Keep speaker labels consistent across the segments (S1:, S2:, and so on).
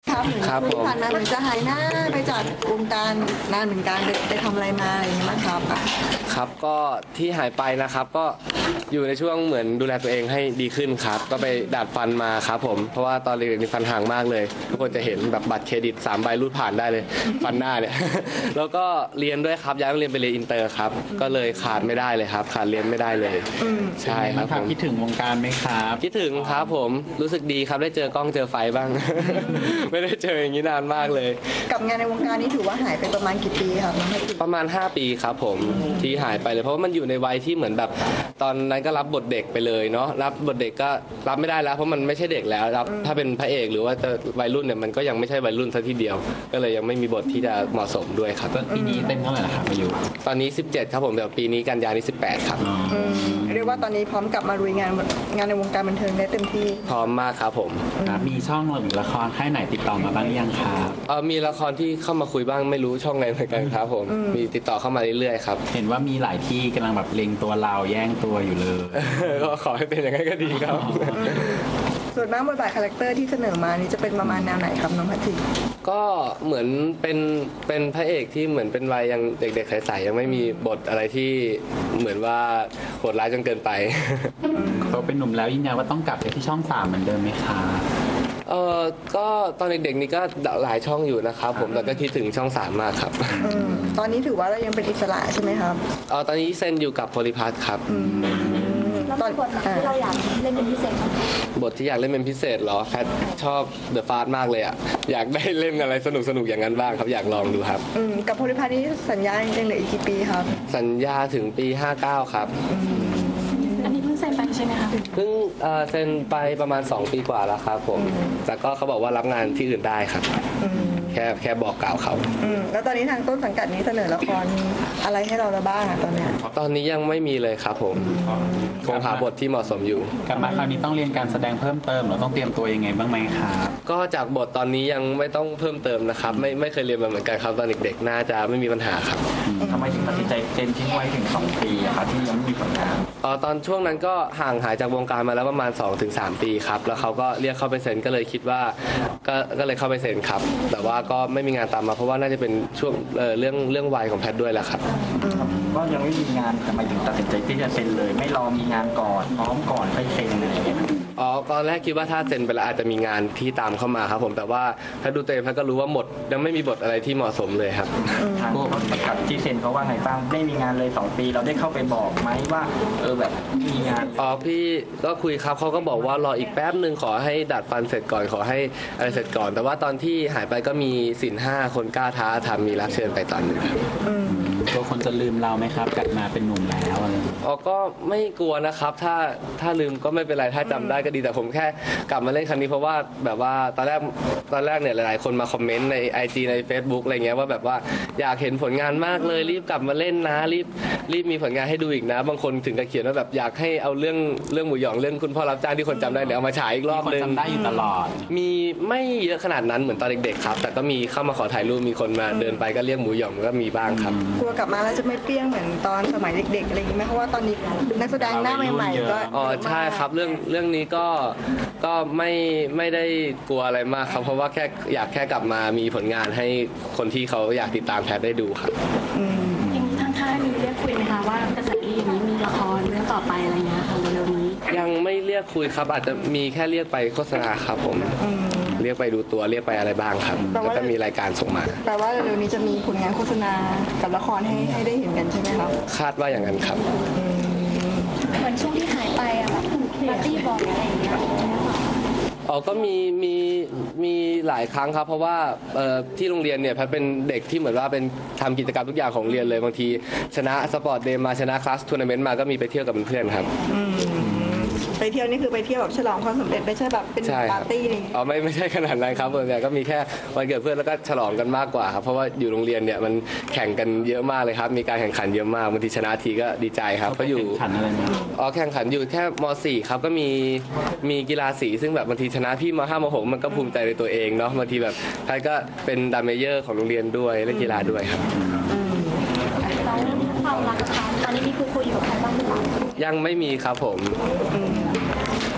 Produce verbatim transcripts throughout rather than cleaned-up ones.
S1: ครับเหมือนที่ผ่านมาเหมือนจะหายหน้าไปจากวงการนานเหมือนกันไปไปทำอะไรมาอะไรอย่างนี้มั้งครับ
S2: ครับก็ที่หายไปนะครับก็อยู่ในช่วงเหมือนดูแลตัวเองให้ดีขึ้นครับก็ไปดัดฟันมาครับผมเพราะว่าตอนเด็กๆมีฟันห่างมากเลยทุกคนจะเห็นแบบบัตรเครดิตสามใบรูดผ่านได้เลยฟันหน้าเนี่ย แล้วก็เรียนด้วยครับย้ายโรงเรียนไปเรียนอินเตอร์ครับก็เลยขาดไม่ได้เลยครับขาดเรียนไม่ได้เลยใช่ครับผม
S3: คิดถึงวงการไหมครับ
S2: คิดถึงครับผมรู้สึกดีครับได้เจอกล้องเจอไฟบ้าง ไม่ได้เจออย่างนี้นานมากเลย
S1: กับงานในวงการนี้ถือว่าหายไปประมาณกี่ปีครับ
S2: ประมาณห้าปีครับผมที่หายไปเลยเพราะว่ามันอยู่ในวัยที่เหมือนแบบตอนนั้นก็รับบทเด็กไปเลยเนาะรับบทเด็กก็รับไม่ได้แล้วเพราะมันไม่ใช่เด็กแล้วรับถ้าเป็นพระเอกหรือว่าจะวัยรุ่นเนี่ยมันก็ยังไม่ใช่วัยรุ่นซะทีเดียวก็เลยยังไม่มีบทที่จะเหมาะสมด้วยครับ
S3: ปีนี้เต็มเท่าไหร่ละครับอายุ
S2: ตอนนี้สิบเจ็ดครับผมแต่ปีนี้กันยานี้สิบแปดครับ
S1: เรียกว่าตอนนี้พร้อมกลับมาลุยงานงานในวงการบันเทิงได้เต็มที่
S2: พร้อมมากครับผม
S3: มีช่องหรือละครค่ายไหนติดต่อมาบ้างยังครับ
S2: เออมีละครที่เข้ามาคุยบ้างไม่รู้ช่องไหนเหมือนกันครับผมมีติดต่อเข้ามาเรื่อยๆครับ
S3: เห็นว่ามีหลายที่กำลังแบบเล็งตัวเราแย่งตัวอยู่เลย
S2: ก็ขอให้เป็นอย่างนั้นก็ดีครับ
S1: ส่วนมากบทบาทคาแรคเตอร์ที่เสนอมานี่จะเป็นประมาณแนวไหนครับน้องพัชรี
S2: ก็เหมือนเป็นเป็นพระเอกที่เหมือนเป็นวัยยังเด็กๆใสๆยังไม่มีบทอะไรที่เหมือนว่าโหดร้ายจนเกินไป
S3: เขาเป็นหนุ่มแล้วยืนยันว่าต้องกลับไปที่ช่องสามเหมือนเดิมไหมคะ
S2: เออก็ตอนเด็กๆนี่ก็หลายช่องอยู่นะครับผมแต่ก็คิดถึงช่องสามมากครับ
S1: ตอนนี้ถือว่าเรายังเป็นอิสระใช่ไหมครับ
S2: เออตอนนี้เซ็นอยู่กับโพลิพัทครับ
S4: ตอนบทที่เราอยากเล่นเป็นพิเศษ
S2: บทที่อยากเล่นเป็นพิเศษเหรอแพทชอบเดอะฟาสต์มากเลยอ่ะอยากได้เล่นอะไรสนุกสนุกอย่างนั้นบ้างครับอยากลองดูครับ
S1: กับโพลิพัทนี้สัญญายังเหลืออีกกี่ปีครับ
S2: สัญญาถึงปีห้าเก้าครับ
S4: อันนี้เพิ่งเซ็นไปใช่ไหมคะ
S2: เพิ่งเซ็นไปประมาณสองปีกว่าแล้วครับผมแต่ก็เขาบอกว่ารับงานที่อื่นได้ครับแค่แค่บอกกล่าวเขา
S1: แล้วตอนนี้ทางต้นสังกัดนี้เสนอละครอะไรให้เราแล้วบ้างตอนนี้
S2: ตอนนี้ยังไม่มีเลยครับผมคงหาบทที่เหมาะสมอยู่
S3: กลับมาคราวนี้ต้องเรียนการแสดงเพิ่มเติมหรือต้องเตรียมตัวยังไงบ้างไหมครับ
S2: ก็จากบทตอนนี้ยังไม่ต้องเพิ่มเติมนะครับไม่ไม่เคยเรียนมาเหมือนกันครับตอนเด็กๆน่าจะไม่มีปัญหาครับ
S3: ทำไมถึงตัดสินใจเซ็นทิ้งไว้ถึงสองปีครับที่ยังไม่มีผลงาน
S2: อ๋อตอนช่วงนั้นก็ห่างหายจากวงการมาแล้วประมาณ สองถึงสาม ปีครับแล้วเขาก็เรียกเข้าไปเซ็นก็เลยคิดว่าก็ก็เลยเข้าไปเซ็นครับแต่ว่าก็ไม่มีงานตามมาเพราะว่าน่าจะเป็นช่วง เ, เรื่องเรื่องวัยของแพทด้วยแหละครับ
S3: ก็ยังไม่มีงานทำไมถึงตัดสินใจที่จะเซ็นเลยไม่รอมีงานก่อนพร้อมก่อนค่อยเซ็นอะไรอย่างเงี้ย
S2: อ๋อตอนแรกคิดว่าถ้าเซ็นไปแล้วอาจจะมีงานที่ตามเข้ามาครับผมแต่ว่าถ้าดูตัวเองแพทก็รู้ว่าหมดยังไม่มีบทอะไรที่เหมาะสมเลยครับ
S3: ทางประกาศที่เซ็นเขาว่าไงบ้างไม่มีงานเลยสองปีเราได้เข้าไปบอกไหมว่าเออแบบมีงาน
S2: อ๋อพี่ก็คุยครับเขาก็บอกว่ารออีกแป๊บนึงขอให้ดัดฟันเสร็จก่อนขอให้อะไรเสร็จก่อนแต่ว่าตอนที่หายไปก็มีสินห้าคนกล้าท้าทำมีรับเชิญไปตอนนึงครับ
S3: ตัวคนจะลืมเราไหมครับกลับมาเป็นหนุ่มแล้วอะไร
S2: อ๋อก็ไม่กลัวนะครับถ้าถ้าลืมก็ไม่เป็นไรถ้าจำได้ก็ดีแต่ผมแค่กลับมาเล่นครั้งนี้เพราะว่าแบบว่าตอนแรกตอนแรกเนี่ยหลายๆคนมาคอมเมนต์ใน ไอ จี ใน Facebook อะไรเงี้ยว่าแบบว่าอยากเห็นผลงานมากเลยรีบกลับมาเล่นนะรีบรีบมีผลงานให้ดูอีกนะบางคนถึงกับเขียนว่าแบบอยากให้เอาเรื่องเรื่องหมูหยองเรื่องคุณพ่อรับจ้างที่คนจำได้เนี่ยเอามาฉายอีกรอบนึง
S3: จำได้อยู่ตลอด
S2: มีไม่เยอะขนาดนั้นเหมือนตอนเด็กๆครับแต่ก็มีเข้ามาขอถ่ายรูปมีคนมาเดินไปก็เรียกหมูหยองก็มีบ้างครับ
S1: กลัวกลับมาแล้วจะไม่เปรี้ยงเหมือนตอนสมัยเด็กๆอะไรอย่างนี้ไหมเพราะว่าตอนนี้นักแสดงหน้าใหม่ๆก็
S2: อ๋อใช่ครับเรื่องเรื่องนี้ก็ก็ไม่ไม่ได้กลัวอะไรมากครับเพราะว่าแค่อยากแค่กลับมามีผลงานให้คนที่เขาอยากติดตามแพทได้ดูครับ
S4: อย่างนี้ทางค่ายมีเรียกคุยไหมคะว่ากระแสดีอย่างนี้มีละครเรื่องต่อไปอะไรเงี้ยค่ะเร็วๆนี้
S2: ยังไม่เรียกคุยครับอาจจะมีแค่เรียกไปโฆษณาครับผมเรียกไปดูตัวเรียกไปอะไรบ้างครับแล้วก็มีรายการส่งมา
S1: แปลว่าเร็วๆนี้จะมีผลงานโฆษณากับละครให้ให้ได้เห็นกันใช่ไหมครับ
S2: คาดว่าอย่างนั้นครับ
S4: เหมือนช่วงที่หายไปอะแบบปาร์ตี้บอลอะไรอย่างเงี้ย
S2: อ๋อก็มีมีมีหลายครั้งครับเพราะว่าที่โรงเรียนเนี่ยแพทเป็นเด็กที่เหมือนว่าเป็นทำกิจกรรมทุกอย่างของเรียนเลยบางทีชนะสปอร์ตเดย์มาชนะคลาสทัวร์นาเมนต์มาก็มีไปเที่ยวกับเพื่อนๆครับ
S1: ไปเที่ยวนี่คือไปเที่ยวแบบฉลองความสำเร็จไม่ใช่แบบเป็นปาร์ตี้อะไรอย่างเงี้ย
S2: อ๋อไม่ไม่ใช่ขนาดนั้นครับแต่ก็มีแค่วันเกิดเพื่อนแล้วก็ฉลองกันมากกว่าครับเพราะว่าอยู่โรงเรียนเนี่ยมันแข่งกันเยอะมากเลยครับมีการแข่งขันเยอะมากบางทีชนะทีก็ดีใจครับก็อยู่
S3: แข่งขันอะไรนะ
S2: อ๋อแข่งขันอยู่แค่ม สี่ครับก็มีมีกีฬาสีซึ่งแบบบางทีชนะพี่ม ห้าม หกมันก็ภูมิใจในตัวเองเนาะบางทีแบบใครก็เป็นดัมเมเยอร์ของโรงเรียนด้วยเล่นกีฬาด้วยครับ
S4: แล้วความรักตอนนี้มีคุยคุยอยู่กับใครบ้างหรือเปล่า
S2: ยังไม่มีครับผม
S1: ค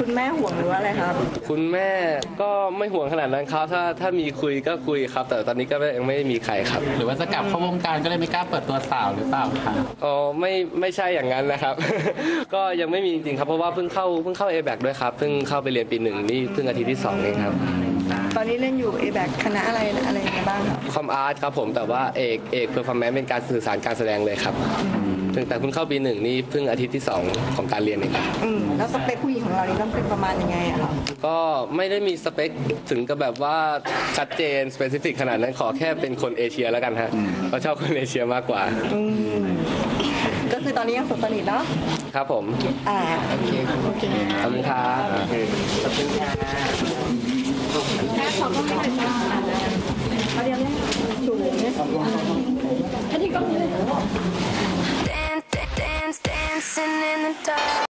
S1: คุณแม่ห่วงหรือว่าอะไรครับ
S2: คุณแม่ก็ไม่ห่วงขนาดนั้นครับถ้าถ้ามีคุยก็คุยครับ แต่ตอนนี้ก็ยังไม่มีใครครับ
S5: หรือว่าจะกลับเข้าวงการก็เลยไม่กล้าเปิดตัวสาวหรือเปล่าคะ
S2: อ๋อไม่ไม่ใช่อย่างนั้นนะครับ ก็ยังไม่มีจริงๆครับเพราะว่าเพิ่งเข้าเพิ่งเข้า เอ แบค ด้วยครับเพิ่งเข้าไปเรียนปีหนึ่งนี่เพิ่งอาทิตย์ที่สองเองครับ
S1: ตอนนี้เล่นอยู่ เอ แบค คณะอะไรอะไรยังไงบ้างครับ
S2: คอมอาร์ตครับผมแต่ว่าเอกเอกเพอร์ฟอร์แมนซ์เป็นการสื่อสารการแสดงเลยครับถึงแต่เพิ่งเข้าปีหนึ่งนี่เพิ่งอาทิตย์ที่สองของการเรียนเองครับ
S1: อืมแล้วสเปคผู้หญิงของเรานี่ต้องเป็นประมาณยังไงอะครับ
S2: ก็ไม่ได้มีสเปคถึงกับแบบว่าชัดเจนสเปซิฟิกขนาดนั้นขอแค่เป็นคนเอเชียแล้วกันฮะเราชอบคนเอเชียมากกว่า
S1: อืมก็คือตอนนี้ยังโสดสนิทเนาะ
S2: ครับผม
S1: อ่าโอเคโอเค
S2: ขอบคุณครับ
S4: แค่เขาก็ไม่เป็นบ้าเขาเรียกว่าสูงเนี่ยอันนี้ก็
S6: Dance, dance, dancing in the dark.